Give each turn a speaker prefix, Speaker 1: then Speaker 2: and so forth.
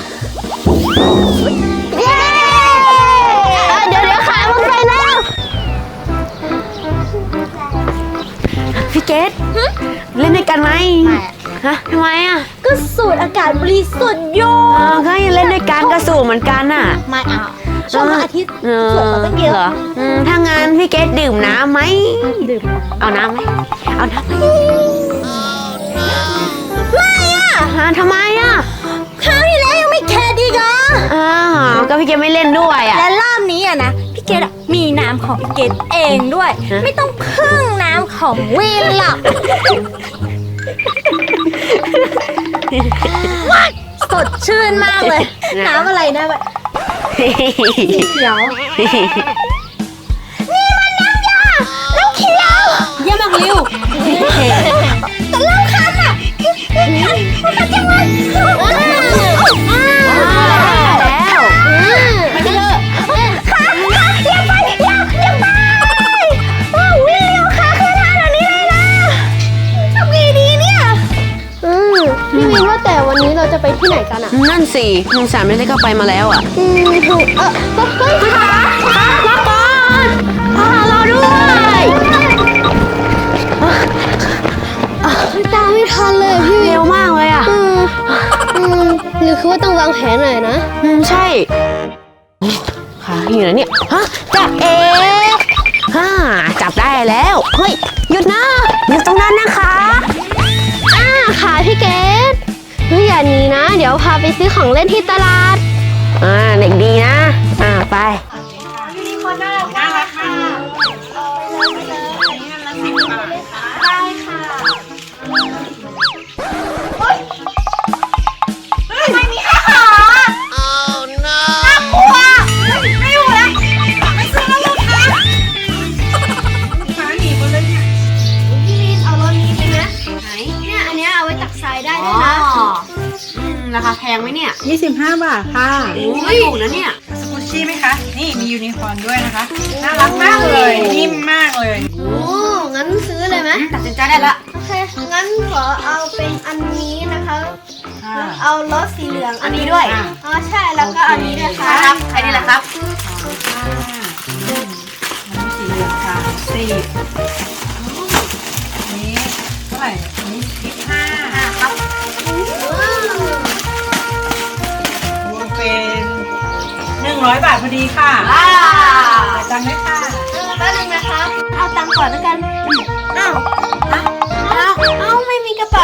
Speaker 1: เย้เดี๋ยวขามันไปแล้วพี่เกดเล่นด้วยกันไหมฮะทำไมอ่ะ
Speaker 2: ก็สูดอากาศบริสุทธิ์อยู่
Speaker 1: ก็ยังเล่นด้วยกันก็สูบเหมือนกันน่ะ
Speaker 2: ไม่เอาช่วงพระอาทิตย์สวยกว่าตั้งเยอะ
Speaker 1: ถ้างั้นพี่เกดดื่มน้ำไหมดื่มเอาน้ำไหมเอาน้ำไหม
Speaker 2: ไม่อ่ะ
Speaker 1: ทำไมอ่ะ
Speaker 2: คราวที่แล้วยังไม่แคร์ดีกอ่ะ
Speaker 1: ก็พี่เกดไม่เล่นด้วยอ่ะ
Speaker 2: และรอบนี้อ่ะนะพี่เกดมีน้ำของพี่เกดเองด้วยไม่ต้องพึ่งน้ำของวินหรอกสดชื่นมากเลยน้ำอะไรนะแบบเขียวนี่มันน้ำยาน้ำเขียวเยี่ยมมากริวแต่เล่าคันอ่ะมันมาจังเลย
Speaker 1: แล้ว
Speaker 2: ไม่เลิกค่ะอย่าไปอย่าไปวิ่งเร็วค่ะคือท่าแบบนี้เลยนะทำไงดีเนี่ย
Speaker 3: พี่วินว่าแต่วันนี้เราจะไปที่ไหนกันอ่ะ
Speaker 1: นั่นสิลุงสามไม่ได้ก็ไปมาแล้วอ่ะ
Speaker 3: ถูกเฮ้ย
Speaker 1: ขามาก่อนรอด้วย
Speaker 3: ตามไม่ทันเลยพี่วิน
Speaker 1: เร็วมากเลยอ่ะ
Speaker 3: หรือคือว่าต้องวางแผนหน่อยนะ
Speaker 1: ใช่ขาอยู่ไหนเนี่ยฮะจับจับได้แล้วเฮ้ยหยุดนะอยู่ตรงนั้นนะคะ
Speaker 3: ขาพี่เกดอย่าหนีนะเดี๋ยวพาไปซื้อของเล่นที่ตลาด
Speaker 1: เด็กดีนะไป
Speaker 2: มีคนน่ารักมากค่ะได้ค่ะทำไมมีแค่ขาน่ากลัวไม่อยู่แล้วไม่ซื้อแล้วลูกค้าหนีหมดเลยเนี่ย
Speaker 3: พี่วินเอารถนี้ไปนะไหนเนี่ยอันนี้เอาไว้ตักทรายได้ด้วยนะ
Speaker 1: ราคาแพงไหมเนี่ย
Speaker 4: 25 บาทค่ะ
Speaker 1: ไม่ถูกนะเนี่ย
Speaker 4: สกุชชี่ไหมคะนี่มียูนิคอร์นด้วยนะคะน่ารักมากเลยนิ่มมากเลย
Speaker 3: งั้นซื้อเลยไหม
Speaker 1: ตัดสินใจได้ละ
Speaker 3: โอเคงั้นขอเอาเป็นอันนี้นะคะเอารถสีเหลือง
Speaker 1: อันนี้ด้วย
Speaker 3: ใช่แล้วก็อันนี้ด้วยค่ะ
Speaker 1: ครับใครนี่แหละครับ
Speaker 4: น้ำสีเหลืองค่ะ10นี้เท่าไหร่นี้15
Speaker 1: ครับ
Speaker 4: รวมเป็น100 บาทพอดีค่ะจังเลยค่ะ
Speaker 3: แป๊บนึงนะคะเอาตังค์ก่อนแล้วกัน
Speaker 1: เอาไม่มีกระเป๋า